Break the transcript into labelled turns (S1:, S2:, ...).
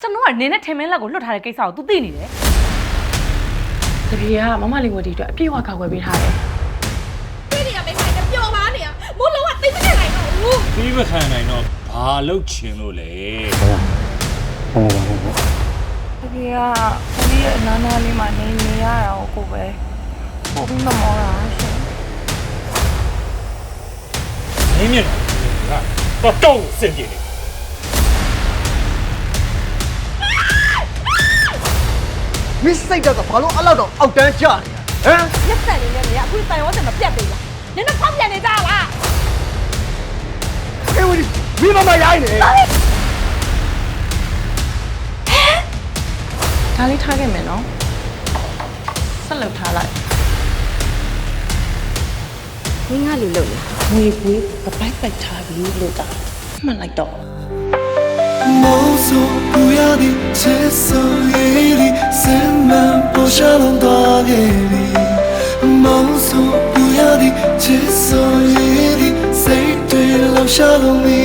S1: ကျွန်တော်ကနင်းနဲ့ထင်မင်းလက်ကိုလွတ်ထားတဲ့ကိစ္စကို तू သိနေတယ်တကယ်ကမမလေးဝတီအတွက်အပြည့်အဝကောက်ွယ်ပေးထားတယ်
S2: တွေ့နေရမယ့်ဆိုင်ကပျော်ပါနေရမိုးလုံးဝသိမခံနိုင်တော့ဘူး
S3: သိမခံနိုင်တော့ဘာလုပ်ချင်လို့လဲ
S1: တကယ်ကကိုကြီးရဲ့အနားနားလေးမှာနေရတာကိုပဲပို့ပြီးမမောတာရှင်
S3: မင်းမြင်တော့တော့စင်ပြေနေ
S4: မစ်စိတ်တော့ဘာလို့အဲ့လောက်တော့အောက်တန်းကျနေဟမ်
S2: ရက်ဆက်နေနေနေအခုတိုင်ဝတ်တယ်မပြတ်သေးလားနင်တို့ဖောက်ပြန်နေကြလား
S4: အေးဝီမိမမရိုင်းနေ
S1: ဒါလေးထားခဲ့မယ်နော်ဆက်လုပ်ထားလိုက်
S2: မင်းကလူလို့လား
S1: ငွေပွေးပပိုက်ပိုက်ထားပြီးလို့တာမှတ်လိုက်တော့
S5: 梦诉不要的接受夜里深满不下浪大夜里梦诉不要的接受夜里谁对留下了你